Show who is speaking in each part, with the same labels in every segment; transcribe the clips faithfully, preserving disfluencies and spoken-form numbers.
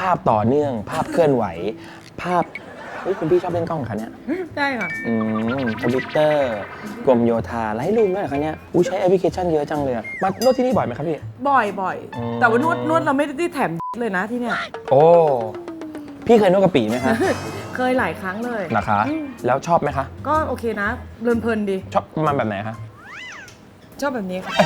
Speaker 1: าพต่อเนื่อง ภาพเคลื่อนไหว ภาพเฮ้ยคุณพี่ชอบเล่นกล้องคะเนี่ย
Speaker 2: ใช่ค่ะ
Speaker 1: อืมคอมพิวเตอร์กรมโยธาไลท์รูมด้วยคะเนี่ยอู้ใช้แอปพลิเคชันเยอะจังเลยมานวดที่นี่บ่อยไหมครับพี่
Speaker 2: บ่อยบ่อยแต่ว่านวดนวดเราไม่ได้แถมเลยนะที่เนี่ย
Speaker 1: โอ้พี่เคยนวดกะปีไหมคะ
Speaker 2: เคยหลายครั้งเลย
Speaker 1: นะคะแล้วชอบไหมคะ
Speaker 2: ก็โอเคนะเพลินๆดี
Speaker 1: ชอบประมาณแบบไหนคะ
Speaker 2: ชอบแบบนี้ค่ะ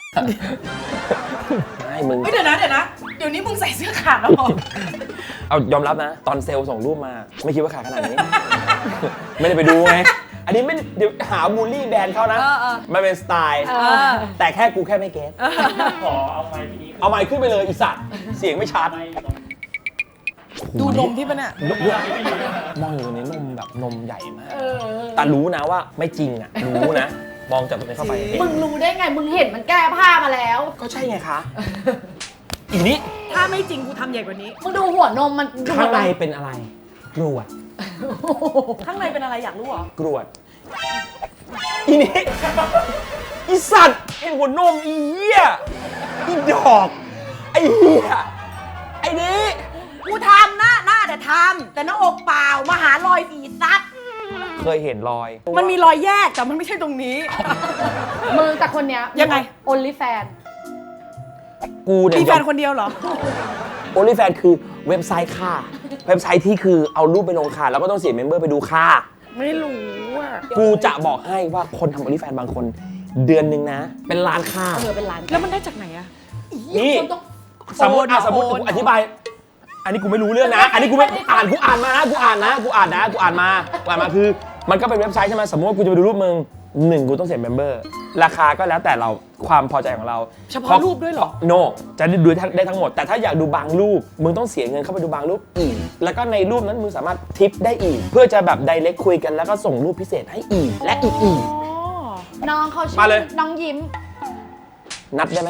Speaker 1: ไม่มึง
Speaker 2: เดี๋ยวนะเดี๋ยวนะเดี๋ยวนี้มึงใส่เสื้อขาดแล้ว
Speaker 1: เอายอมรับนะตอนเซลล์ส่งรูปมาไม่คิดว่าขาดขนาดนี้ไม่ได้ไปดูไงอันนี้ไม่เดี๋ยวหาบูลลี่แบรนด์เขานะมันเป็นสไตล์แต่แค่กูแค่ไม่เก็ต
Speaker 3: ขอเอาไมค์ที่นี้
Speaker 1: เอาไมค์ขึ้นไปเลยอีสัตว์เสียงไม่ชัด
Speaker 2: ดูนมที่มันอะ
Speaker 1: มองอยู่ในนมแบบนมใหญ่มากแต่รู้นะว่าไม่จริงอ่ะรู้นะมองจากตรงนี้เข้าไป
Speaker 4: มึงรู้ได้ไงมึงเห็นมันแก้ผ้ามาแล้ว
Speaker 1: ก็ใช่ไงคะอีนี้
Speaker 2: ถ้าไม่จริงกูทำใหญ่กว่านี้
Speaker 4: มึงดูหัวนมมัน
Speaker 1: ข้างในเป็นอะไรกรวด
Speaker 2: ข้างในเป็นอะไรอยากรู้เหรอก
Speaker 1: รวดอีนี้อีสัตว์เห็นหัวนมอีเหี้ยอีดอกไอ้เหี้ยไอ้นี้
Speaker 2: กูทำนะหน้าแต่ทำแต่หน้าอกเปล่ามาหารอยฝีซัด
Speaker 1: เคยเห็นรอย
Speaker 2: มันมีรอยแยกแต่มันไม่ใช่ตรงนี้
Speaker 4: มึงแต่คนเนี้ย
Speaker 2: ยังไง
Speaker 4: only fan
Speaker 1: กูเนี่ย
Speaker 2: มีแฟนคนเดียวเหรอ
Speaker 1: only fan คือเว็บไซต์ค่ะเว็บไซต์ที่คือเอารูปไปลงค่ะแล้วก็ต้องเสียเมมเบอร์ไปดูค่ะ
Speaker 2: ไม่รู้อ่ะ
Speaker 1: กูจะบอกให้ว่าคนทำ only fan บางคนเดือนนึงนะเป็นล้านค่า
Speaker 4: เออเป็นล้าน
Speaker 2: แล้วมันได้จากไหนอะ
Speaker 1: นี่สมมติอ่ะสมมติกูอธิบายอันนี้กูไม่รู้เรื่องนะอันนี้กูไม่อ่านกูอ่านมานะกูอ่านนะกูอ่านนะกูอ่านมากูอ่านมาคือมันก็เป็นเว็บไซต์ใช่ไหมสมมติว่ากูจะไปดูรูปมึงหนึ่งกูต้องเสียเมมเบอร์ราคาก็แล้วแต่เราความพอใจของเรา
Speaker 2: เฉพาะรูปด้วยเหรอ
Speaker 1: โน no, จะดูได้ทั้งหมดแต่ถ้าอยากดูบางรูปมึงต้องเสียเงินเข้าไปดูบางรูปอีกแล้วก็ในรูปนั้นมึงสามารถทิปได้อีกเพื่อจะแบบไดเรกคุยกันแล้วก็ส่งรูปพิเศษให้อีกและอีกอีก
Speaker 4: น้องเขาชื่อน้องยิ้ม
Speaker 1: นัดได้ไหม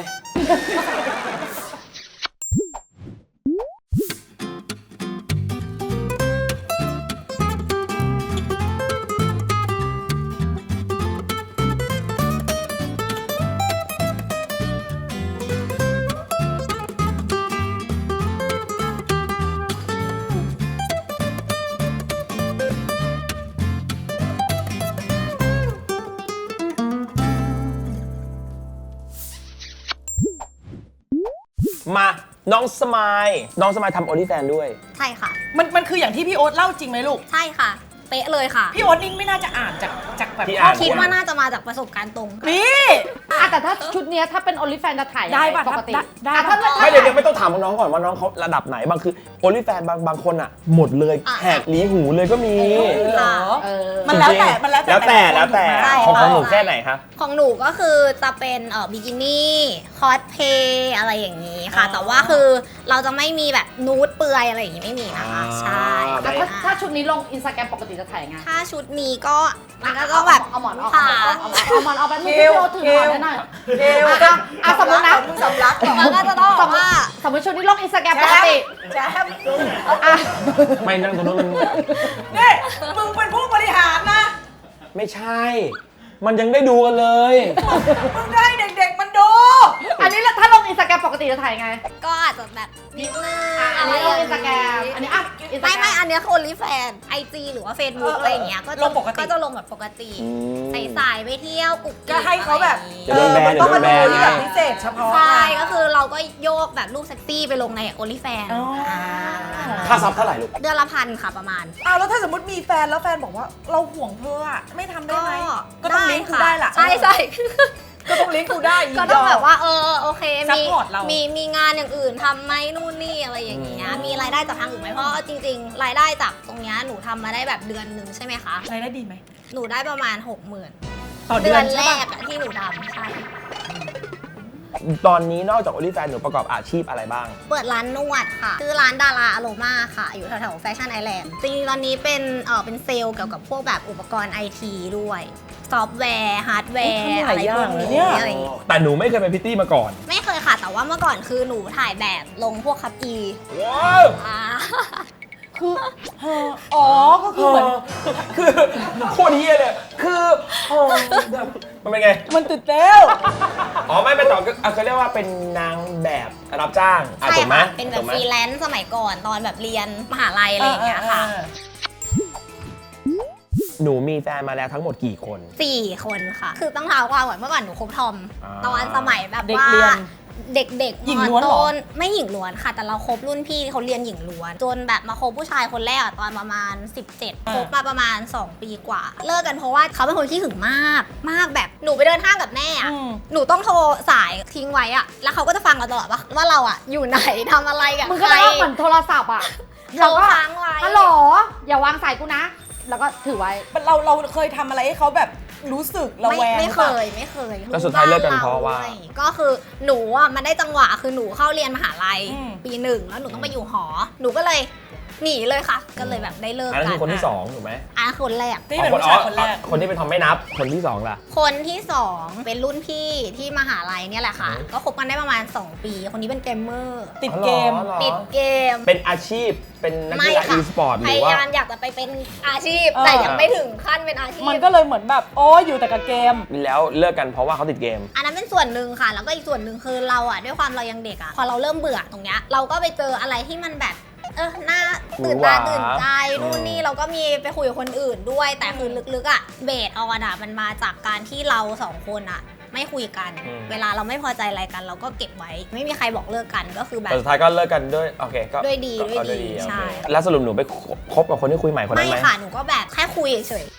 Speaker 1: มาน้องสมายน้องสมายทำ OnlyFans ด้วย
Speaker 5: ใช่ค่ะ
Speaker 2: มันมันคืออย่างที่พี่โอ๊ตเล่าจริงไหมลูก
Speaker 5: ใช่ค่ะเป๊ะเลยค่ะ
Speaker 2: พี่โอ๊ตนิ่งไม่น่าจะอ่านจากจากแบบ
Speaker 5: คิดว่าน่าจะมาจากประสบการณ์ตรง
Speaker 2: นี่
Speaker 4: แต่ถ้าชุดนี้ถ้าเป็น OnlyFans จะถ่าย
Speaker 2: ได้ป่ะ
Speaker 4: ปกติ
Speaker 2: ได้
Speaker 1: ไม่เดี๋ยวไม่ต้องถามน้องก่อนว่าน้องเขาระดับไหนบางคือ OnlyFans บางบางคนอ่ะหมดเลยแหกลีหูเลยก็มี
Speaker 2: มันแล้วแต่มันแล้ว
Speaker 1: แต่แล้วแต่ของของหนูแค่ไหนคะ
Speaker 5: ของหนูก็คือจะเป็นเอ่อบิกินี่คอสเพย์อะไรอย่างนี้ค่ะแต่ว่าคือเราจะไม่มีแบบนูดเปลือยอะไรอย่างนี้ไม่มีนะคะใช่
Speaker 4: ถ้าถ้าชุดนี้ลง Instagram ปกติจะถ่ายไง
Speaker 5: ถ้าชุดนี้ก็มันก็ต้องแบบ
Speaker 4: เอาหมอนออกเอาหมอนออกไปมึงพี่โอถือหมอนได้หน่อย
Speaker 2: เกล
Speaker 4: อ่ะสมมตินะ
Speaker 2: สำลัก
Speaker 5: มันก็จะต้องว่า
Speaker 4: สมมติชุดนี้ลง Instagram ปกติ
Speaker 2: แจ๊บ
Speaker 1: ไม่นั่งตรงนู้นมัน
Speaker 2: นี่มึงเป็นผู้บริหารนะ
Speaker 1: ไม่ใช่มันยังได้ดูกันเลย
Speaker 2: มึงได้เด็กๆมันดู
Speaker 4: อันนี้ถ้าลงอินสตาแกรมปกติจะถ่ายไง
Speaker 5: ก็อาจจะแบบนิดนึง
Speaker 4: อันนี้ลงอินสตาแกรมอันนี้อ่ะ
Speaker 5: ไม่ไม่อันนี้คือ OnlyFans ไอจีหรือว่า Facebook อะไรอย่างเงี้ยก็
Speaker 2: ลงปกติ
Speaker 5: ก็จะลงแบบปกติใส่สายไปเที่ยวกุ๊ก
Speaker 2: ก็ให้เขาแบบ
Speaker 1: เออมัน
Speaker 2: ต้องมาดูที่แบบพิเศษเฉพาะ
Speaker 5: ใช่ก็คือเราก็โยกแบบรูปเซ็กซี่ไปลงใน OnlyFans
Speaker 1: ค่าซับเท่าไหร่ลูก
Speaker 5: เดือนละพันค่ะประมาณ
Speaker 2: อ้าวแล้วถ้าสมมติมีแฟนแล้วแฟนบอกว่าเราห่วงเธออะไม่ทำได้ไหมก็ต้องลิงก์กูได้ล่ะ
Speaker 5: ใช่ใช่
Speaker 2: ก็ต้องลิงก์กูได้
Speaker 5: ก็ต้องแบบว่าเออโอเคมีมีมีงานอย่างอื่นทำไหมนู่นนี่อะไรอย่างเงี้ยมีรายได้จากทางอื่นไหมเพราะจริงๆรายได้จากตรงเนี้ยหนูทำมาได้แบบเดือนหนึ่งใช่ไหมคะ
Speaker 2: รายได้ดีไหม
Speaker 5: หนูได้ประมาณหกหมื่น
Speaker 2: ต่อเดือน
Speaker 5: แรกที่หนูทำใช่
Speaker 1: ตอนนี้นอกจาก OnlyFans หนูประกอบอาชีพอะไรบ้าง
Speaker 5: เปิดร้านนวดค่ะชื่อร้านดาราอโรมาค่ะอยู่แถวๆแฟชั่นไอแลนด์จริงๆตอนนี้เป็นเออเป็นเซลล์เกี่ยวกับพวกแบบอุปกรณ์ไอทีด้วยซอฟต์แวร์ฮาร์ดแวร์อะไรพวกนี้อะไรอย่างเงี้ย
Speaker 1: แต่หนูไม่เคยเป็นพิตตี้มาก่อน
Speaker 5: ไม่เคยค่ะแต่ว่าเมื่อก่อนคือหนูถ่ายแบบลงพวกคัพอี
Speaker 1: ว้าว
Speaker 2: คืออ๋อก็คือเหมือน
Speaker 1: คือโคตรเฮี้ยเลยคือมันเป็นไง
Speaker 2: มันตื่นเต้น
Speaker 1: อ๋อไม่เป็นต่อก็อ่ะเขาเรียกว่าเป็นนางแบบรับจ้างอ่ะ
Speaker 5: ใช่
Speaker 1: ถูกไหม
Speaker 5: ค่ะเป็นแบบ
Speaker 1: ถูกไหม
Speaker 5: ฟรีแลนซ์สมัยก่อนตอนแบบเรียนมหาลัยอะไรอย่างเงี้ยค่ะ
Speaker 1: หนูมีแฟนมาแล้วทั้งหมดกี่คน
Speaker 5: สี่คนค่ะ คือต้องเท้าความก่อนเมื่อก่อนหนูคบทอม
Speaker 1: อ่า
Speaker 5: ตอนสมัยแบบ
Speaker 2: เด็ก
Speaker 5: ว่า
Speaker 2: เรียน
Speaker 5: เด็กๆ
Speaker 2: หญิงล้วนเหรอ
Speaker 5: มต้นไม่หญิงล้วนค่ะ แต่เราคบรุ่นพี่เขาเรียนหญิงล้วน จนแบบมาคบผู้ชายคนแรกอะตอนประมาณ สิบเจ็ดคบมาประมาณ สอง ปีกว่า เลิกกันเพราะว่าเขาเป็นคนขี้หึงมาก มากแบบหนูไปเดินห้างกับแม่อะ
Speaker 2: อืม
Speaker 5: หนูต้องโทรสายทิ้งไว้อะแล้วเขาก็จะฟังเราตลอดว่าว่าเราอะอยู่ไหนทำอะไรกับ
Speaker 4: มึง
Speaker 5: ใค
Speaker 4: ก็
Speaker 5: ร
Speaker 4: ได้เหมือนโทรศัพท์อ่ะ
Speaker 5: โทรค้างไว้
Speaker 4: ฮัลโหลอย่าวางสายกูนะ แล้วก็ถือไว้
Speaker 2: เราเราเคยทำอะไรให้เขาแบบรู้สึกระ
Speaker 5: ไม่
Speaker 2: แวง
Speaker 5: ไม่
Speaker 2: หรือ
Speaker 5: เค
Speaker 2: ปล่า
Speaker 5: ยไม่เคย
Speaker 1: แล้วสุดท้ายเลิกกันเพราะว่า
Speaker 5: บ้นด้วยก็คือหนูอ่ะมันได้จังหวะคือหนูเข้าเรียนมหาลัย
Speaker 2: อืม
Speaker 5: ปีหนึ่งแล้วหนูต้องไปอยู่หอ หนูก็เลยหนีเลยค่ะ ก็เลยแบบได้เลิก
Speaker 1: อันนั้น
Speaker 5: กั
Speaker 1: คือคนที่สองถูกไหม
Speaker 5: อันนั้นคนแรก
Speaker 2: ที่เป็นผู้ชายคนแรก
Speaker 1: คนที่เป็นทอมไม่นับคนที่สองล่ะ
Speaker 5: คนที่สองเป็นรุ่นพี่ที่มหาลัยเนี่ยแหละค่ะ
Speaker 1: อืม
Speaker 5: ก็คบกันได้ประมาณ สอง ปี คนนี้เป็นเกมเมอร์
Speaker 2: ติดเกม
Speaker 1: อ๋อเหรอ
Speaker 5: ติดเกม
Speaker 1: เป็นอาชีพเป็นนักกีฬา
Speaker 5: ไม่ค่ะ
Speaker 1: อีสปอร์ตห
Speaker 5: พ
Speaker 1: รือย
Speaker 5: า
Speaker 1: ว่า
Speaker 5: ยามอยากจะไปเป็นอาชีพ
Speaker 2: เออ
Speaker 5: แต่ยังไม่ถึงขั้นเป็นอาชีพ
Speaker 2: มันก็เลยเหมือนแบบโอ้ยอยู่แต่กับเกม
Speaker 1: แล้วเลิกกันเพราะว่าเขาติดเกม
Speaker 5: อันนั้นเป็นส่วนหนึ่งค่ะ แล้วก็อีกส่วนหนึ่งคือเราอ่ะด้วยความเรายังเด็กอ่ะพอเราเริ่มเบื่อตรงเนี้ยเราก็ไปเจออะไรที่มันแบบเออหน้าตื่นตาตื่นใจนู่นนี่เราก็มีไปคุยกับคนอื่นด้วย แต่คือลึกๆอ่ะเบสออนอ่ะมันมาจากการที่เราสองคนอ่ะไม่คุยกัน
Speaker 1: อืม
Speaker 5: เวลาเราไม่พอใจอะไรกันเราก็เก็บไว้ ไม่มีใครบอกเลิกกันก็คือแบ
Speaker 1: แต่
Speaker 5: บ
Speaker 1: สุดท้ายก็เลิกกันด้วยโอเคก็
Speaker 5: ด้วยดี
Speaker 1: ก็
Speaker 5: ด้วยดี
Speaker 1: โอเค
Speaker 5: ใช่
Speaker 1: แล้วสรุปหนูไปคบกับคนที่คุยใหม่คนนั้
Speaker 5: ไม่
Speaker 1: นไหม
Speaker 5: ค่ะหนูก็แบบแค่คุยเฉย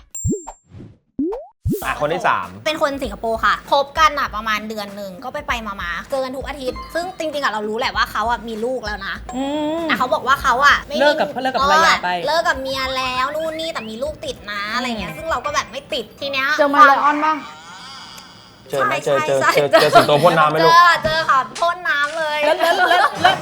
Speaker 1: อ่ะคนที่สาม
Speaker 5: เป็นคนสิงคโปร์ค่ะคบกันอ่ะประมาณเดือนหนึ่งก็ไปไปๆมาๆเจอกันทุกอาทิตย์ ซึ่งจริงๆอ่ะเรารู้แหละว่าเขาอ่ะมีลูกแล้วนะ
Speaker 2: อืม
Speaker 5: แต่เขาบอกว่าเขาอ่ะไม่มี
Speaker 2: เลิกกับเลิกกับภรรยาไป
Speaker 5: เลิกกับเมียแล้วนู่นนี่แต่มีลูกติดนะอะไรเงี้ยซึ่งเราก็แบบไม่ติดทีเนี้ย
Speaker 4: เจอมาเลยออนบ้าง
Speaker 1: เจอไหมเจอเจอ
Speaker 5: ใช่
Speaker 1: เจอ
Speaker 5: ใช่
Speaker 1: เจอสิงโตพ่นน้ำไหมลูก
Speaker 5: เจอเจอค่ะพ่นน้ำเลย
Speaker 2: แล้วแล้วแล้วแล้ว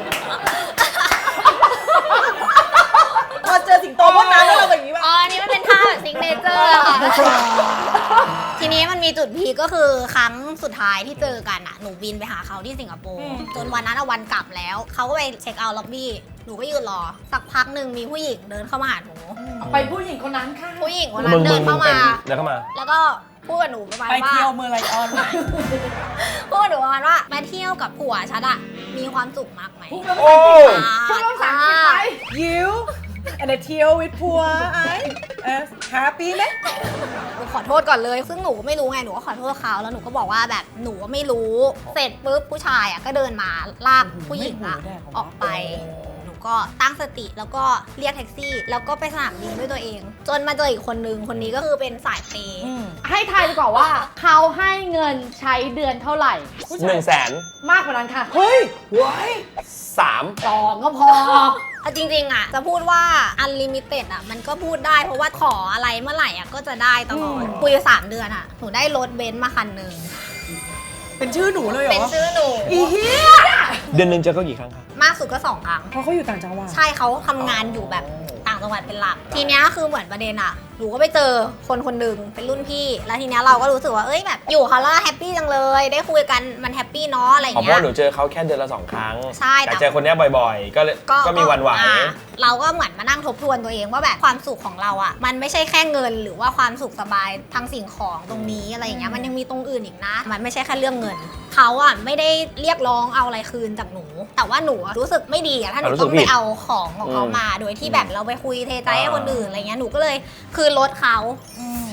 Speaker 2: พอเจอสิงโตพ่นน้ำแล้วเราแบบนี้ป่ะ
Speaker 5: อ๋ออันนี้มันเป็นท่าแบบซิงเนเจอร์ค่ะทีนี้มันมีจุดพีคก็คือครั้งสุดท้ายที่เจอกันอ่ะหนูบินไปหาเขาที่สิงคโปร์จนวันนั้นอะวันกลับแล้วเขาก็ไปเช็คเอาท์ล็อบบี้หนูก็ยืนรอสักพักหนึ่งมีผู้หญิงเดินเข้ามาหาหนู
Speaker 4: ไปผู้หญิงคนนั้นค่ะ
Speaker 5: ผู้หญิงคนนั้
Speaker 1: มึ
Speaker 5: น
Speaker 1: ง
Speaker 5: เดิ
Speaker 1: มึ
Speaker 5: น
Speaker 1: งมึ
Speaker 5: เข้าง
Speaker 1: เป็
Speaker 5: มา
Speaker 1: นเดินเข้ามา
Speaker 5: แล้วก็พูดกับหนูประมาณ
Speaker 2: ไป
Speaker 5: ว่า
Speaker 2: เที่ยวเมืองไลออน
Speaker 5: พูดกับหนูประมาณว่ามาเที่ยวกับผัวฉันอะมีความสุขมากไหม
Speaker 4: พูดแล้ว
Speaker 1: โอ้
Speaker 4: พูดแล้วภาษาอังกฤษไป
Speaker 2: ยิว and a เที่ยว with ผัวไอ้เออ happy ไหม
Speaker 5: หนูขอโทษก่อนเลย ซึ่งหนูก็ไม่รู้ไงหนูก็ขอโทษเขาแล้วหนูก็บอกว่าแบบหนูก็ไม่รู้เสร็จปุ๊บผู้ชายอะก็เดินมาลากผู้หญิงอะออกไป หนูก็ตั้งสติแล้วก็เรียกแท็กซี่ แล้วก็ไปสนามบินด้วยตัวเอง จนมาเจออีกคนนึงคนนี้ก็คือเป็นสายเปย์
Speaker 2: อืม
Speaker 4: ให้ทายดีกว่าว่า เขาให้เงินใช้เดือนเท่าไหร่
Speaker 1: หนึ่งแสน
Speaker 4: มากกว่านั้นค่ะ
Speaker 2: เฮ้ยไว้
Speaker 1: สาม
Speaker 4: สองก็พอ
Speaker 5: เอาจริงๆอะจะพูดว่า unlimited อะมันก็พูดได้เพราะว่าขออะไรเมื่อไหร่อะก็จะได้ตลอดคุยอยู่สามเดือนอะหนูได้รถเบนซ์มาคันหนึ่ง
Speaker 2: เป็นชื่อหนูเลยเหร
Speaker 5: เป็น
Speaker 2: อ
Speaker 5: ชื่อหนู
Speaker 2: อีเหี้ย
Speaker 1: เดือนหนึ่งเจอเขากี่ครั้งครับ
Speaker 5: มากสุดก็สองครั้ง
Speaker 2: เพราะเขาอยู่ต่างจังหวัด
Speaker 5: ใช่เขาทำงานอยู่แบบต่างจังหวัดเป็นหลัก ทีเนี้ยคือเหมือนประเด็นอะหนูก็ไปเจอคนคนหนึ่งเป็นรุ่นพี่ แล้วทีเนี้ยเราก็รู้สึกว่าเอ้ยแบบอยู่เขาแล้วแฮปปี้จังเลย ได้คุยกันมันแฮปปี้เนาะอะไร
Speaker 1: อ๋อเพ
Speaker 5: เงี้
Speaker 1: ราะ
Speaker 5: ย
Speaker 1: หนูเจอเขาแค่เดือนละสองครั้ง
Speaker 5: ใช่แต่
Speaker 1: แต่เจอคนเนี้ยบ่อยๆ ก็เลยก็มีวันไหว
Speaker 5: อ่ะเราก็เหมือนมานั่งทบทวนตัวเองว่าแบบความสุขของเราอะมันไม่ใช่แค่เงินหรือว่าความสุขสบายทางสิ่งของตรงนี้อะไรอย่างเงี้ยมันยังมีตรงอื่นอีกนะ มันไม่ใช่แค่เรื่องเงินเขาอะไม่ได้เรียกร้องเอาอะไรคืนจากหนู แต่ว่าหนูอะรู้สึกไม่ดีอะถ้าหนู
Speaker 1: รู้สึ
Speaker 5: ต้
Speaker 1: ก
Speaker 5: อง
Speaker 1: ผิ
Speaker 5: ไป
Speaker 1: ด
Speaker 5: เอาของของเขา
Speaker 1: อืม
Speaker 5: มาโดยที่แบบเราไปคุยเทใจให้
Speaker 1: อ่า
Speaker 5: คนอื่นอะไรเงี้ยหนูก็เลยคืนรถเขา
Speaker 2: อืม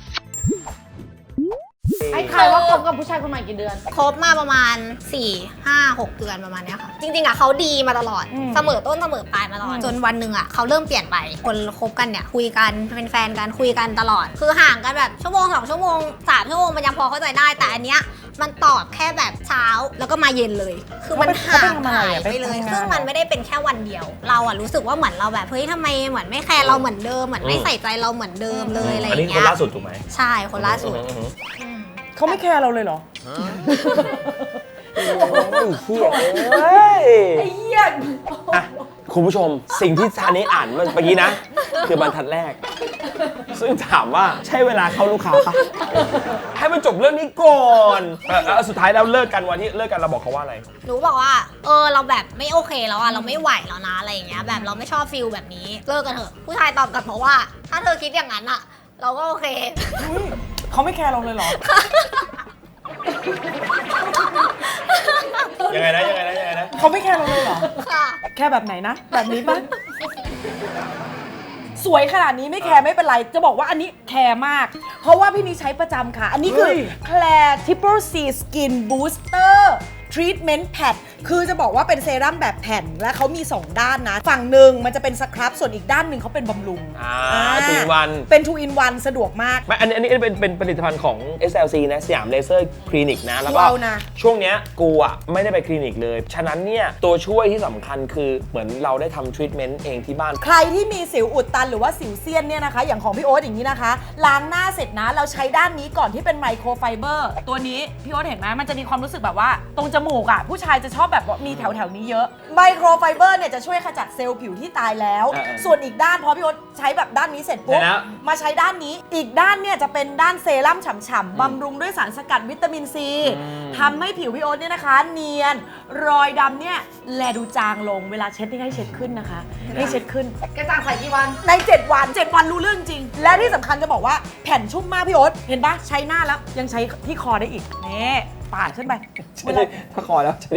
Speaker 4: ให้ทายว่าคบกับผู้ชายคนใหม่กี่เดือน
Speaker 5: คบมาประมาณ สี่ ห้า หก เดือนประมาณเนี้ยค่ะ จริงๆอะเขาดีมาตลอด
Speaker 2: อืม
Speaker 5: เสมอต้นเสมอปลายมาตลอด
Speaker 2: อืม
Speaker 5: จนวันหนึ่งอะเขาเริ่มเปลี่ยนไป คนคบกันเนี่ยคุยกันเป็นแฟนกันคุยกันตลอด คือห่างกันแบบชั่วโมงสองชั่วโมงสามชั่วโมงมันยังพอเข้าใจได้ แต่อันเนี้ยมันตอบแค่แบบเช้าแล้วก็มาเย็นเลย คือมันห่างหายไปเลย ซึ่งมันไม่ได้เป็นแค่วันเดียว เราอะรู้สึกว่าเหมือนเราแบบเฮ้ยทำไมเหมือนไม่แคร์เราเหมือนเดิมเหมือนไม่ใส่ใจเราเหมือนเดิมเลยอะไรอ
Speaker 1: อันนี้
Speaker 5: ย่าง
Speaker 1: คน
Speaker 5: เงี้ย
Speaker 1: ล่าสุดถูกไหม
Speaker 5: ใช่คนล่าสุด
Speaker 1: อือหือ
Speaker 5: อืม
Speaker 2: เขาไม่แคร์เราเลยเหรอ
Speaker 1: โอ้ยเฮียเอ้ย
Speaker 4: ไอ้เหี้ย
Speaker 1: อ่ะคุณผู้ชมสิ่งที่ซานี้อ่านเมื่อกี้นะ คือบรรทัดแรก ซึ่งถามว่าใช่เวลาเข้าลูกค้าปะให้มันจบเรื่องนี้ก่อนเออแล้วสุดท้ายแล้วเลิกกันวันที่เลิกกันเราบอกเขาว่าอะไร
Speaker 5: หนูบอกว่าเออเราแบบไม่โอเคแล้วอะเราไม่ไหวแล้วนะอะไรอย่างเงี้ยแบบเราไม่ชอบฟิลแบบนี้เลิกกันเถอะผู้ชายตอบกลับมาว่า ถ้าเธอคิดอย่างนั้นอะเราก็โอเค
Speaker 2: อุ๊ยเขาไม่แคร์เราเลยเหรอ
Speaker 1: ยังไงนะยังไงนะยังไงนะ
Speaker 2: เขาไม่แคร์เราเลยเหรอ
Speaker 5: ค่ะ
Speaker 2: แค่แบบไหนนะ แบบนี้ปะสวยขนาดนี้ไม่แคร์ไม่เป็นไร จะบอกว่าอันนี้แคร์มาก เพราะว่าพี่นี่ใช้ประจำค่ะ อันนี้คือ
Speaker 1: เฮ้ย
Speaker 2: Claire Triple C Skin Booster Treatment Pad คือจะบอกว่าเป็นเซรั่มแบบแผ่นและเขามี สอง ด้านนะ ฝั่งหนึ่งมันจะเป็นสครับส่วนอีกด้านหนึ่งเขาเป็นบำรุง
Speaker 1: อ่า
Speaker 2: อ่า
Speaker 1: two in one
Speaker 2: เป็น two in one สะดวกมาก
Speaker 1: ไม่อันนี้อันนี้เป็นเป็นผลิตภัณฑ์ของ เอส แอล ซี นะสยามเลเซอร์คลินิกนะ แล้วก็
Speaker 2: ว้าวนะ
Speaker 1: ช่วงเนี้ยกูอ่ะไม่ได้ไปคลินิกเลย ฉะนั้นเนี่ย ตัวช่วยที่สำคัญคือเหมือนเราได้ทำทรีทเมนต์เองที่บ้าน
Speaker 2: ใครที่มีสิวอุดตันหรือว่าสิวเซียนเนี่ยนะคะ อย่างของพี่โอ๊ตอย่างนี้นะคะ ล้างหน้าเสร็จนะ เราใช้ด้านนี้ก่อนที่เป็นไมโครไฟเบอร์ตัวนี้พี่โอ๊ตเห็นไหมมันจะมีความรู้สึกแบบว่า ตรงจมูกอ่ะผู้ชายจะชอบแบบว่ามีแถวแถวๆนี้เยอะไมโครไฟเบอร์เนี่ยจะช่วยขจัดเซลล์ผิวที่ตายแล้ว
Speaker 1: เออเออ
Speaker 2: ส่วนอีกด้านพอพี่โอ๊ตใช้แบบด้านนี้เสร็จปุ๊บ
Speaker 1: เดี๋ยวนะ
Speaker 2: มาใช้ด้านนี้อีกด้านเนี่ยจะเป็นด้านเซรั่มฉ่ำๆบำรุงด้วยสารสกัดวิตามินซีทำให้ผิวพี่โอ๊ตเนี่ยนะคะ เนียนรอยดำเนี่ยแลดูจางลงเวลาเช็ดนี่ให้เช็ดขึ้นนะคะให้เช็ดขึ้น
Speaker 4: กระจ่างใสกี่วัน
Speaker 2: ใน เจ็ด วัน เจ็ด วันรู้เรื่องจริง และที่สำคัญจะบอกว่าแผ่นชุ่มมากพี่โอ๊ตเห็นปะใช้หน้าแล้วยังใช้ที่คอได้อีกนี่ปาดขึ้นไปเวลา
Speaker 1: ถ้าคอแล้วใช้ได้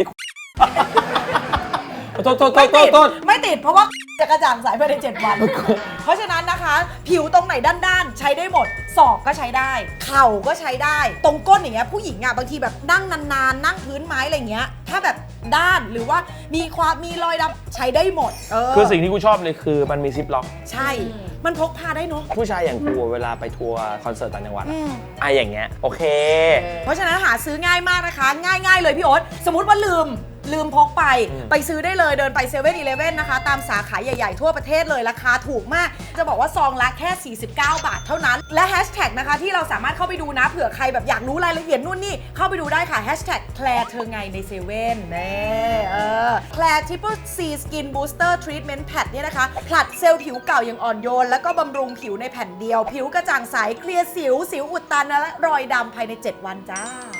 Speaker 1: โทษโทษโท
Speaker 2: ไม่
Speaker 1: ษโท
Speaker 2: ติ
Speaker 1: ษ
Speaker 2: ด
Speaker 1: โทษ
Speaker 2: ไม่ติดเพราะว่าจะกระจ่างใสภายในเจ็ด วัน เพราะฉะนั้นนะคะ ผิวตรงไหนด้านๆ ใช้ได้หมดศอกก็ใช้ได้ เข่าก็ใช้ได้ ตรงก้นอย่างเงี้ยผู้หญิงอ่ะบางทีแบบนั่งนานๆ นั่งพื้นไม้อะไรเงี้ยถ้าแบบด้านหรือว่ามีความมีรอยดำใช้ได้หมดเออ
Speaker 1: คือสิ่งที่กูชอบเลยคือมันมีซิปล็อก
Speaker 2: ใช่ มันพกพาได้เนาะ
Speaker 1: ผู้ชายอย่างกูเวลาไปทัวร์คอนเสิร์ตต่างจังหวัด
Speaker 2: อื
Speaker 1: อะ
Speaker 2: ม
Speaker 1: ไอะอย่างเงี้ย โอเค
Speaker 2: เพราะฉะนั้นหาซื้อง่ายมากนะคะ ง่ายๆเลยพี่โอ๊ตสมมติว่าลืมลืมพกไป
Speaker 1: อืม
Speaker 2: ไปซื้อได้เลยเดินไปเซเว่นอีเลฟเว่นนะคะ ตามสาขาใหญ่ๆ ทั่วประเทศเลยราคาถูกมาก จะบอกว่าซองละแค่ สี่สิบเก้า บาทเท่านั้น และแฮชแท็กนะคะที่เราสามารถเข้าไปดูนะเผื่อใครแบบอยากรู้รายละเอียดนู่นนี่ เข้าไปดูได้ค่ะแฮชแท็กแคลร์เธอไงในเซเว่นเน่เออแคลร์ Triple C Skin Booster Treatment Pad เนี่ยนะคะผลัดเซลล์ผิวเก่าอย่างอ่อนโยน แล้วก็บำรุงผิวในแผ่นเดียว ผิวกระจ่างใสเคลียร์สิวสิวอุดตันและรอยดำภายใน เจ็ด วันจ้า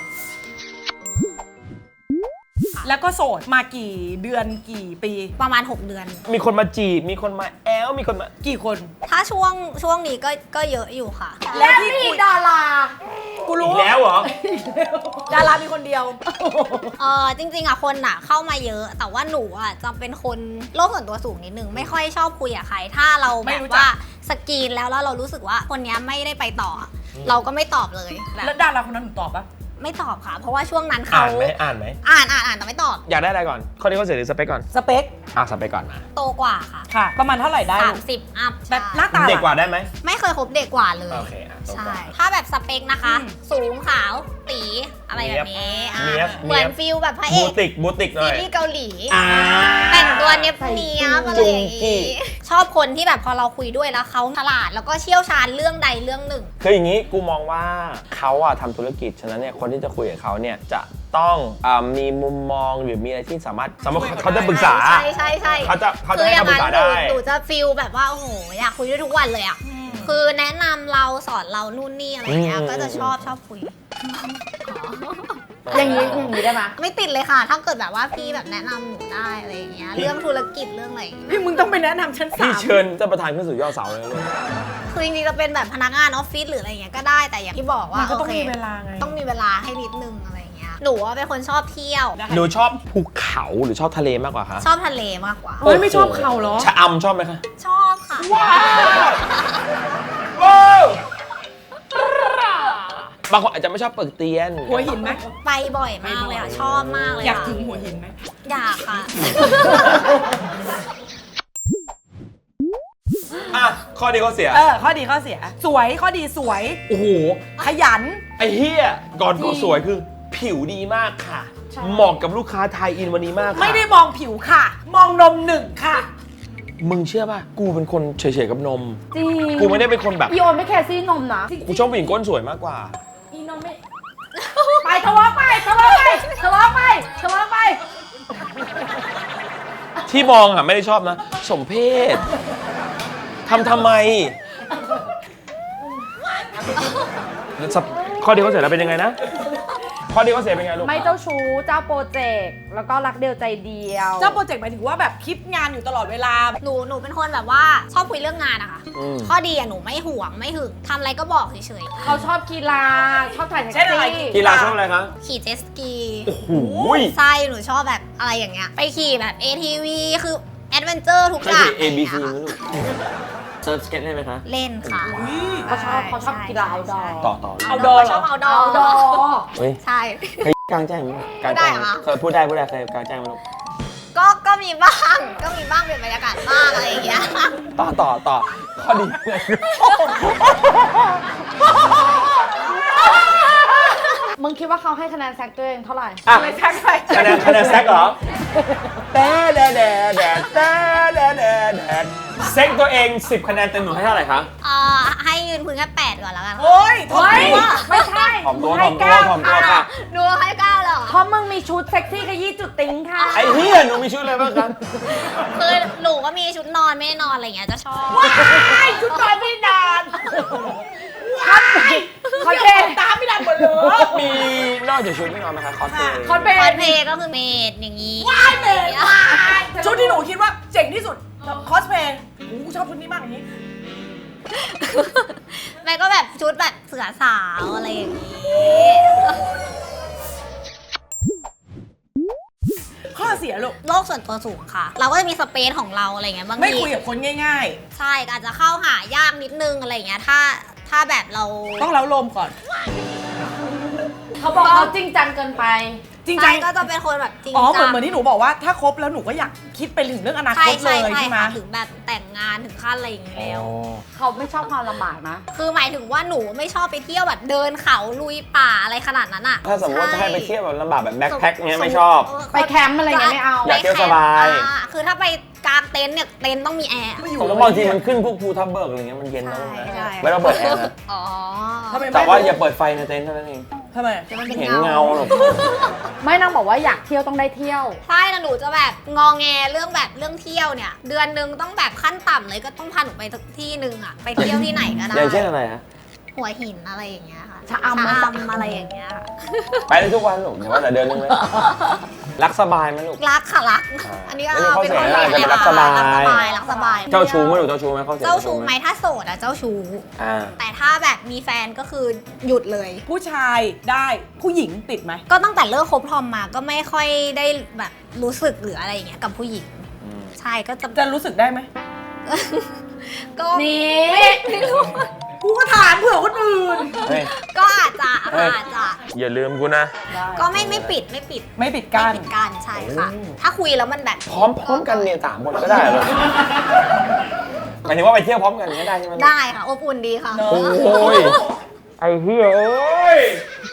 Speaker 2: แล้วก็โสดมากี่เดือนกี่ปี
Speaker 5: ประมาณ หก เดือน
Speaker 1: มีคนมาจีบ มีคนมาแอล มีคนมา
Speaker 2: กี่คน
Speaker 5: ถ้าช่วงช่วงนี้ก็ก็เยอะอยู่ค่ะ
Speaker 2: และที่
Speaker 4: มี
Speaker 2: คุย
Speaker 4: ดารา
Speaker 2: กู
Speaker 1: อี
Speaker 2: รู้
Speaker 1: กแล้วเหรอ
Speaker 2: ดารามีคนเดียว
Speaker 5: เออจริงๆอะคนอะเข้ามาเยอะ แต่ว่าหนูอะจะเป็นคนโลกส่วนตัวสูงนิดนึง ไม่ค่อยชอบคุยกับใคร ถ้าเรา
Speaker 2: ไม่
Speaker 5: แบบ
Speaker 2: รู้จัก
Speaker 5: ว่าสกรีนแล้วแล้วเรารู้สึกว่าคนเนี้ยไม่ได้ไปต่อ เราก็ไม่ตอบเลยแบ
Speaker 2: แล้ว
Speaker 5: บ
Speaker 2: ดาราคนนั้นหนูตอบปะ
Speaker 5: ไม่ตอบค่ะ เพราะว่าช่วงนั้น
Speaker 1: อ่า
Speaker 5: เขา
Speaker 1: นไหมอ่านไหม
Speaker 5: อ่านอ่านอ่านแต่ไม่ตอบ
Speaker 1: อยากได้อะไรก่อน ข้อนี้ข้อเสียหรือสเปคก่อน
Speaker 2: สเปค
Speaker 1: อ่ะสเปคก่อนมา
Speaker 5: โตกว่าค่ะ
Speaker 2: ค่ะ ประมาณเท่าไหร่ได้
Speaker 5: สามสิบอัพ
Speaker 2: แบบหน้าตา
Speaker 1: เด็กกว่าได้ไหม
Speaker 5: ไม่เคยคบเด็กกว่าเลย
Speaker 1: โอเคอ่ะโตก
Speaker 5: ใช่
Speaker 1: ว่า
Speaker 5: ถ้าแบบสเปคนะคะ
Speaker 2: อืม
Speaker 5: สูงขาวตีอะไรแบบนี้อ่ะ
Speaker 1: เนี๊ยบ
Speaker 5: เหมือน
Speaker 1: เนี๊ยบ
Speaker 5: ฟิลแบบพระเอ
Speaker 1: บู
Speaker 5: ก
Speaker 1: ติก บูติกหน่
Speaker 5: ซี
Speaker 1: อย
Speaker 5: รีส์เกาหลี
Speaker 1: อ่า
Speaker 5: แต่งตัวเนี้ยบเนียบอะไรอย่าง
Speaker 1: จุงกี้
Speaker 5: งี้ชอบคนที่แบบพอเราคุยด้วยแล้วเขาฉลาดแล้วก็เชี่ยวชาญเรื่องใดเรื่องหนึ่ง
Speaker 1: คืออย่างนี้กูมองว่าเขาอะทำธุรกิจ ฉะนั้นเนี่ยคนที่จะคุยกับเขาเนี่ยจะต้องอามีมุมมองหรือมีอะไรที่สามารถสมมติเขาจะปรึกษา
Speaker 5: ใช่ใช่ใช่
Speaker 1: เขาจะเขาจะ
Speaker 5: คือ
Speaker 1: ให้
Speaker 5: อย่า
Speaker 1: คำปรึ
Speaker 5: ง
Speaker 1: ก
Speaker 5: นั้
Speaker 1: ษาน
Speaker 5: หนู
Speaker 1: ได้
Speaker 5: หนูจะฟิลแบบว่าโอ้โหอยากคุยด้วยทุกวันเลยอ่ะคือแนะนำเราสอนเรานู่นนี่อะไรอย่างเงี้ย
Speaker 1: อืม
Speaker 5: ก็จะชอบชอบคุย
Speaker 4: อย่างนี้อย่างนี้ได้ไหม
Speaker 5: ไม่ติดเลยค่ะ ถ้าเกิดแบบว่าพี่แบบแนะนำหนูได้อะไรอย่างเงี้ยเรื่องธุรกิจเรื่องอะไรอย่างเงี้ย
Speaker 2: พี่มึงต้องไปแนะนำชั้นสา
Speaker 1: พี่
Speaker 2: ม
Speaker 1: เชิญท่านประธานขึ้นสู่ยอดเสาเลยลูก
Speaker 5: คือจริงๆจะเป็นแบบพนักงานออฟฟิศหรืออะไรอย่างเงี้ยก็ได้แต่อย่างที่บอกว่า
Speaker 2: มันก็ต้อง
Speaker 5: โค
Speaker 2: มีเวลาไง
Speaker 5: ต้องมีเวลาให้นิดนึงอะไรอย่างเงี้ยหนูว่าเป็นคนชอบเที่ยว
Speaker 1: หนูชอบภูเขาหรือชอบทะเลมากกว่าคะ
Speaker 5: ชอบทะเลมากกว่า
Speaker 2: เฮ้ยไม่ชอบเขาเหรอ
Speaker 1: ชะอำชอบไหมคะ
Speaker 5: ชอบค่ะ
Speaker 1: ว้าวบางคนอาจจะไม่ชอบเปิกเตียน
Speaker 2: หัวหินไหม
Speaker 5: ไปบ่อยมากเลยค่ะชอบมากเลย
Speaker 2: อยาก
Speaker 5: ค่ะ
Speaker 2: ถึงหัวหินไหม
Speaker 5: อยากค่ะ
Speaker 1: อ่ะ ข้อดีข้อเสีย
Speaker 2: เออ ข้อดีข้อเสีย สวยข้อดีสวย
Speaker 1: โอ้โห
Speaker 2: ขยัน
Speaker 1: ไอ้เฮียก่อนก็สวยคือผิวดีมากค่ะ เหมาะกับลูกค้าไทยอินวันนี้มากค่ะ
Speaker 2: ไม่ได้มองผิวค่ะ มองนมหนึ่งค่ะ
Speaker 1: มึงเชื่อป่ะ กูเป็นคนเฉยๆกับนม
Speaker 4: จริง
Speaker 1: กูไม่ได้เป็นคนแบบ
Speaker 4: อีโอนไม่แคร์ซี่นมนะ
Speaker 1: กูชอบผู้หญิงก้นสวยมากกว่า
Speaker 4: อีนมไม่ ไปทะเลาะไปทะเลาะไปทะเลาะไปทะเลาะไป
Speaker 1: ที่มองอ่ะไม่ได้ชอบนะ สมเพศทำทำไมข้อดีข้อเสียแล้วเป็นยังไงนะข้อดีข้อเสียเป็นไงลูก
Speaker 4: ไม่เจ้าชู้เจ้าโปรเจกต์แล้วก็รักเดียวใจเดียว
Speaker 2: เจ้าโปรเจกต์หมายถึงว่าแบบคิดงานอยู่ตลอดเวลา
Speaker 5: หนูหนูเป็นคนแบบว่าชอบคุยเรื่องงานอะค่ะ
Speaker 1: อืม
Speaker 5: ข้อดีอะหนูไม่ห่วงไม่หึงทำอะไรก็บอกเฉย
Speaker 4: เขาชอบกีฬาชอบถ่ายแท็ก
Speaker 2: เช่นอะไร
Speaker 4: ซี่
Speaker 1: กีฬาชอบอะไรคะ
Speaker 5: ๆขี่เจ็ตสกี
Speaker 1: โอ้โห
Speaker 5: ใช่หนูชอบแบบอะไรอย่างเงี้ยไปขี่แบบ เอ ที วี คือแอดเวนเจอร์ทุก
Speaker 1: เค
Speaker 5: อย ย่าง
Speaker 1: เห็น A B C ไหมลูกเซิร์ฟสเก็ตได้ไหมคะ
Speaker 5: เล่นค่ะ
Speaker 4: เขาชอบเขาชอบกีฬาเอาดอ
Speaker 1: ต่อต่อ
Speaker 5: เอาดอชอบเอาดอ
Speaker 4: เอาดอ
Speaker 1: เฮ้ย
Speaker 5: ใช่
Speaker 1: เคยกลางแจ้งไหมกลางแจ้ง
Speaker 5: พูดได้เหรอ
Speaker 1: เคยพูดได้พูดได้เคยกลางแจ้งไหมลูก
Speaker 5: ก็ก็มีบ้างก็มีบ้างเป็นบรรยากาศบ้างอะไรอย่างเงี้ย
Speaker 1: ต่อต่อต่อข้อดีไง
Speaker 4: มึงคิดว่าเขาให้คะแนนแซกตัวเองเท่าไหร่
Speaker 1: อ่ะ
Speaker 2: ไม่ใช่ใคร
Speaker 1: คะแนนคะแนนแซกเหรอแต่แดดแดดแดดแต่แดดแดดแดดเซ็กตัวเองสิบคะแนนเต็มหนูให้เท่าไหร่คะ
Speaker 5: เอ่อให้ยืนพื้นแค่แปดก่อนแล้วกัน
Speaker 2: โอ้ยทำไม
Speaker 4: เฮ้ยว
Speaker 2: ะ
Speaker 4: ไม่ใช่
Speaker 1: ถ่อมตัว
Speaker 4: ให้
Speaker 1: ถ่อมตัว
Speaker 4: เก้า
Speaker 1: ถ่อมตัวค่ะ
Speaker 5: หนูให้เก้าเลยเหรอ
Speaker 4: เพราะมึงมีชุดเซ็กซี่ขยี้จุดติ้งค่ะ
Speaker 1: ไอ้เหี้ยหนูมีชุดอะไรบ้างครับ
Speaker 5: คือหนูก็มีชุดนอนไม่ได้นอนอะไรอย่างเงี้ยจะชอบ
Speaker 2: ไอ้ชุดนอนไม่นาน
Speaker 4: คอนเทนต์
Speaker 2: ตามไม่นานหมดเลย
Speaker 1: มีนอกจากชุดไม่นอนไหมคะคอสเพลย์
Speaker 4: คอนเท
Speaker 5: คอน
Speaker 4: นต์
Speaker 5: เพลย์ก็คือเมดอย่างงี้
Speaker 2: ว้ายเมย์ว้ายชุดที่หนูคิดว่าเจ๋งที่สุดคอสเพลย์โอ้โหชอบชุดนี้มากอย่างนี้
Speaker 5: แม่ก็แบบชุดแบบเสือสาวอะไรอย่างงี้
Speaker 2: ข้อเสียลูก
Speaker 5: โลกส่วนตัวสูงค่ะ เราก็จะมีสเปซของเราอะไรเงี้ยบาง
Speaker 2: ไม่
Speaker 5: ที
Speaker 2: คุยกับคนง่าย
Speaker 5: ใช่อาจจะเข้าหายากนิดนึงอะไรเงี้ยถ้าถ้าแบบเรา
Speaker 2: ๆ ต้องเล้าลมก่อน
Speaker 4: เขาบอกเขาจริงจังเกินไป
Speaker 2: จริง
Speaker 5: ใช่
Speaker 2: จัง
Speaker 5: ก็จะเป็นคนแบบจริง
Speaker 2: อ๋อ เหมื
Speaker 5: จั
Speaker 2: อน
Speaker 5: ง
Speaker 2: เหมือนที่หนูบอกว่าถ้าคบแล้วหนูก็อยากคิดไปถึงเรื่องอนา
Speaker 5: ใช่
Speaker 2: คตเล
Speaker 5: ใช่
Speaker 2: ย
Speaker 5: ใช่
Speaker 2: ใช่ไหม
Speaker 5: ค่ะถึงแบบแต่งงานถึงขั้นอะไรอย่างงี้แล้ว
Speaker 4: เขาไม่ชอบความลำบากนะ
Speaker 5: คือหมายถึงว่าหนูไม่ชอบไปเที่ยวแบบเดินเขาลุยป่าอะไรขนาดนั้นอะ
Speaker 1: ถ้าสมมติว่าจะให้ไปเที่ยวแบบลำบากแบบแบ็คแพ็คเงี้ยไม่ชอบ
Speaker 4: ไปแคมป์อะไรเงี้ยไม่เอา
Speaker 1: อยากเที่ยวสบาย
Speaker 5: อ่คือถ้าไปกางเต็นท์เนี่ยเต็นท์ต้องมีแอร์
Speaker 2: ไม่อยู่
Speaker 1: ผมว่าบางทีมันขึ้นพวกภูทับเบิกอะไรเงี้ยมันเย็นนะ
Speaker 5: ใช่ใช่
Speaker 1: ไม่ต้องเปิดแอร์นะ
Speaker 5: อ๋อ
Speaker 2: ทำไมไม่
Speaker 1: แต่ว่าอย่าเปิดไฟในเต็นท์เท่านั้นเอง
Speaker 2: ทำไม
Speaker 5: จะมันเป็น
Speaker 1: เห็น
Speaker 5: เงา
Speaker 1: เงาหรอก
Speaker 4: ไม่นางบอกว่าอยากเที่ยวต้องได้เที่ยว
Speaker 5: ใช่แล้วหนูจะแบบงอแงเรื่องแบบเรื่องเที่ยวเนี่ย เดือนหนึงต้องแบบขั้นต่ำเลยก็ต้องพาหนูไปสักที่หนึ่งอะไปเที่ยวที่ไหนก็ได้
Speaker 1: อย่างเช่นอะไรฮะ
Speaker 5: หัวหินอะไรอย่างเงี้ยค่ะ
Speaker 4: ชะอำ
Speaker 5: ชะอำอะไรอย่างเงี้ยค่ะ
Speaker 1: ไปได้ทุกวันหรอกเดี๋ยวว่าแต่เดือนนึงเลยรักสบายไหมลูก
Speaker 5: รักค่ะรัก
Speaker 1: อ่า
Speaker 5: อันนี้ก็
Speaker 1: ไม่ใช่ข้อ
Speaker 5: เป็น
Speaker 1: เสีย
Speaker 5: คน
Speaker 1: อะไร
Speaker 5: รัก
Speaker 1: แต่รักสบาย
Speaker 5: รักสบายรักสบาย
Speaker 1: เจ้าชู้ไหมลูกเจ้าชู้ไหมข้อเสีย
Speaker 5: เจ้าชู้ไหมถ้าโสดอะเจ้าชู้
Speaker 1: อ่า
Speaker 5: แต่ถ้าแบบมีแฟนก็คือหยุดเลย
Speaker 2: ผู้ชายได้ผู้หญิงติดไหม
Speaker 5: ก็ตั้งแต่เลิกคบทอมมาก็ไม่ค่อยได้แบบรู้สึกหรืออะไรอย่างเงี้ยกับผู้หญิง
Speaker 1: อืม
Speaker 5: ใช่ก็จะ
Speaker 2: จะรู้สึกได้ไหม
Speaker 5: ก็
Speaker 4: นี่
Speaker 5: ไม่รู้
Speaker 2: กูก็ถามเผื่อคนอื่น
Speaker 1: เฮ้ย
Speaker 5: ก็อาจจะ
Speaker 1: เฮ้ย
Speaker 5: อาจจะ
Speaker 1: อย่าลืมกูนะ
Speaker 5: ก็ไม่ไม่ปิดไม่ปิด
Speaker 2: ไม่ปิดกั้น
Speaker 5: ไม่ปิดกั้นใช่ค่ะ
Speaker 1: โอ้
Speaker 5: ถ้าคุยแล้วมันแบบ
Speaker 1: พร้อมพร้อมกันเนี่ยสามคนก็ได้เหรอหมายถึงว่าไปเที่ยวพร้อมกันอย่างเงี้ยได้ใช่ไหม
Speaker 5: ได้ค่ะอบอุ่นดีค่ะ
Speaker 2: เนอะ
Speaker 1: โอ้ยไอ้เหี้ยเอ้ย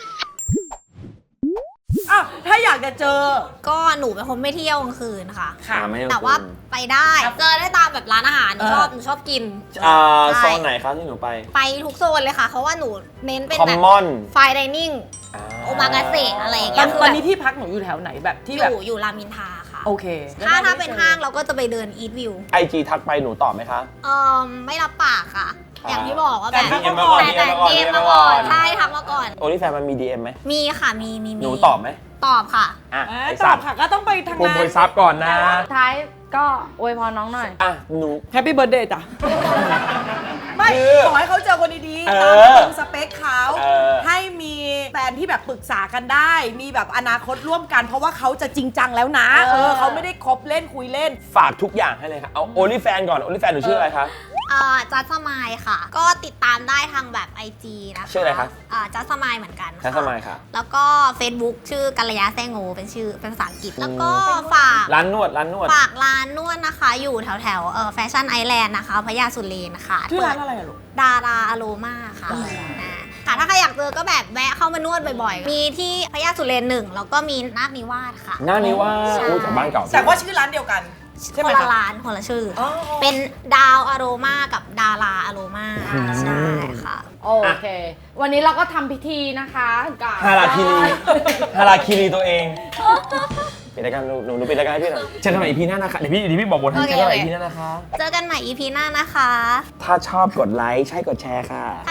Speaker 2: อ้าวถ้าอยากจะเจอ
Speaker 5: ก็หนูเป็นคนไม่เที่ยวกลางคืนค่ะ
Speaker 2: ค่ะ
Speaker 1: ไม่ต้อง
Speaker 5: แต่ว่าไปได้เจอได้ตามแบบร้านอาหารหนู
Speaker 2: เออ
Speaker 5: ชอบหนูชอบกิน
Speaker 1: อ่า
Speaker 5: ใช่
Speaker 1: โซนไหนครับที่หนูไป
Speaker 5: ไปทุกโซนเลยค่ะ เพราะว่าหนูเน้นเป็น
Speaker 1: คอม
Speaker 5: แบบ
Speaker 1: มอน
Speaker 5: ไฟไดนิ่งโอมากาเสะอะไรอย่าง
Speaker 2: ต
Speaker 5: เงี้
Speaker 2: อน
Speaker 5: ยคือ
Speaker 2: ตอน
Speaker 5: แบบ
Speaker 2: นี้ที่พักหนูอยู่แถวไหนแบบที่
Speaker 5: อ
Speaker 2: แบบ
Speaker 5: ยู่อยู่รามอินทราค่ะ
Speaker 2: โอเค
Speaker 5: ถ้าถ้าเป็นห้างเราก็จะไปเดินอีทวิว
Speaker 1: ไอจีทักไปหนูตอบไหมคะ
Speaker 5: เออไม่รับปากค่ะ
Speaker 1: อ่า
Speaker 5: อย่างที่บอกว่าแบบ
Speaker 2: แต่ทักมาก่อน
Speaker 5: แต่แต่
Speaker 1: ดี
Speaker 5: เดี
Speaker 1: เอ็
Speaker 5: ย
Speaker 1: ม
Speaker 5: ม
Speaker 1: มา
Speaker 5: มา
Speaker 1: ก่
Speaker 5: ก่
Speaker 1: อ
Speaker 5: อน นใช่ทักมาก่อน
Speaker 1: โอลิแฟนมันมีดีเอ็มไหม
Speaker 5: มีค่ะมีมีมี
Speaker 1: หนูตอบไหม
Speaker 5: ตอบค่ะ
Speaker 1: อ่ะ
Speaker 2: อ่า
Speaker 1: ไอ
Speaker 2: ต
Speaker 1: สั
Speaker 2: อ
Speaker 1: ต
Speaker 2: บ
Speaker 1: ว์
Speaker 2: ค่ะก็ต้องไปทาง
Speaker 1: ผม
Speaker 2: นั้
Speaker 1: บ
Speaker 2: น
Speaker 1: ริษัทก่อนนะ
Speaker 4: ท้ายก็อวยพรน้องหน่อย
Speaker 1: อ่ะหนู
Speaker 2: แฮปปี้เบิร์ดเดย์จ้ะ ไม่
Speaker 1: คือ
Speaker 2: ขอให้เขาเจอคนดีๆ
Speaker 1: เอ
Speaker 2: ตาม
Speaker 1: อ
Speaker 2: ตรงสเปคเขา
Speaker 1: เออ
Speaker 2: ให้มีแฟนที่แบบปรึกษากันได้ มีแบบอนาคตร่วมกัน เพราะว่าเขาจะจริงจังแล้วนะ
Speaker 4: เออ
Speaker 2: เออเขาไม่ได้คบเล่นคุยเล่น
Speaker 1: ฝากทุกอย่างให้เลยค่ะ เอาโอลิแฟนก่อนโอลิแฟนหนูชื่ออะไรคะ
Speaker 5: อ่าจัสมายค่ะ ก็ติดตามได้ทางแบบ ไอ จี นะคะ
Speaker 1: ชื่ออะไรคะ
Speaker 5: อ่าจัสมายเหมือนกัน
Speaker 1: ทั
Speaker 5: ค่ะ
Speaker 1: สมายค่ะ
Speaker 5: แล้วก็ Facebook ชื่อกัลยาแซงโงเป็นชื่อเป็นภาษาอังกฤษ แล้วก็ฝาก
Speaker 1: ร้านนวดร้านนวด
Speaker 5: ฝากร้านนวดนะคะ อยู่แถวแถวๆเอ่อแฟชั่นไอแลนด์นะคะพญาสุเรนนะคะ
Speaker 2: ชื่อร้านอะไรอะลูก
Speaker 5: ดาราอโรมาค่ะนะค่ะถ้าใครอยากเจอก็แบบแวะเข้ามานวดบ่อยๆ มีที่พญาสุเรนหนึ่งแล้วก็มีนาคนิวาสค่ะ
Speaker 1: หน้านี้ว่า
Speaker 5: ใช่
Speaker 1: อู้จากบ้านเก่า
Speaker 2: แต่ว่าชื่อร้านเดียวกัน ใช่ไห
Speaker 5: ค
Speaker 2: ม
Speaker 5: นละ
Speaker 2: คะ
Speaker 5: ร้านคนละชื่ออ
Speaker 2: อ๋อ
Speaker 5: เป็นดาวอโรมากับดาราอโรมาใช่ค่ะ
Speaker 4: โอเค วันนี้เราก็ทำพิธีนะคะกับ
Speaker 1: ฮาราคิรีฮาราคิรีตัวเองปิดรายการหนูหนูหนูปิดรายการให้พี่หน่อยเจอกันใหม่ อี พี หน้านะคะ เดี๋ยวพี่เดี๋ยวพี่บอกบทให้
Speaker 5: โอเค
Speaker 1: เจอกันใหม่
Speaker 5: โอ
Speaker 1: อี
Speaker 5: เค
Speaker 1: พี หน้านะคะ
Speaker 5: เจอกันใหม่ อี พี หน้านะคะ
Speaker 1: ถ้าชอบกดไลค์ใช่กดแชร์ค่ะ
Speaker 5: ถ้าชอบกด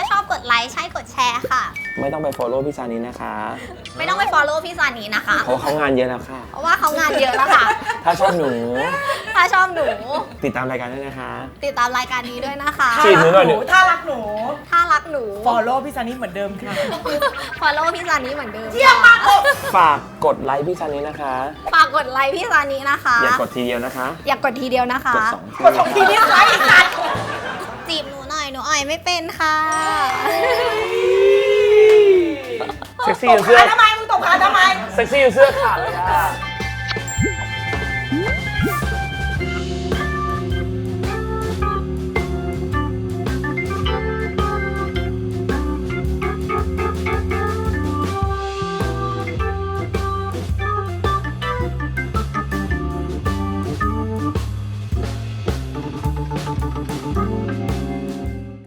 Speaker 5: ดไลค์ใช่กดแชร์ค่ะ
Speaker 1: ไม่ต้องไป follow พี่ซานินะคะ
Speaker 5: ไม่ต้องไป follow พี่ซานีนะคะ
Speaker 1: เพราะเขางานเยอะแล้วค่ะ
Speaker 5: เพราะว่าเขางานเยอะแล้วค่ะ
Speaker 1: ถ้าชอบหนู
Speaker 5: ถ้าชอบหนู
Speaker 1: ติดตามรายการด้วยนะคะ
Speaker 5: ติดตามรายการนี้ด้วยนะคะ
Speaker 1: จีบหนูหน่อยดิ
Speaker 2: ถ้ารักหนู
Speaker 5: ถ้ารักหนู
Speaker 2: follow พี่ซานิเหมือนเดิมค่ะ
Speaker 5: follow พี่ซานีเหมือนเดิม
Speaker 2: เยี่ยมมาก
Speaker 5: ค่ะ
Speaker 1: ฝากกดไลค์พี่ซานินะคะ
Speaker 5: ฝากกดไลค์พี่ซานีนะคะ
Speaker 1: อย่ากดทีเดียวนะคะ
Speaker 5: อย่ากกดทีเดียวนะคะ
Speaker 1: กดสองที
Speaker 2: กดสองทีนี้ไลค์อีกสัตว์
Speaker 5: จีบหนูหน่อยหนูอ่อยไม่เป็นค่ะ
Speaker 1: เซ็กซี่จนเสื้อ
Speaker 2: ทำไมมึงตบขาทำไม
Speaker 1: เซ็กซี่จนเสื้อขาดเลยอะ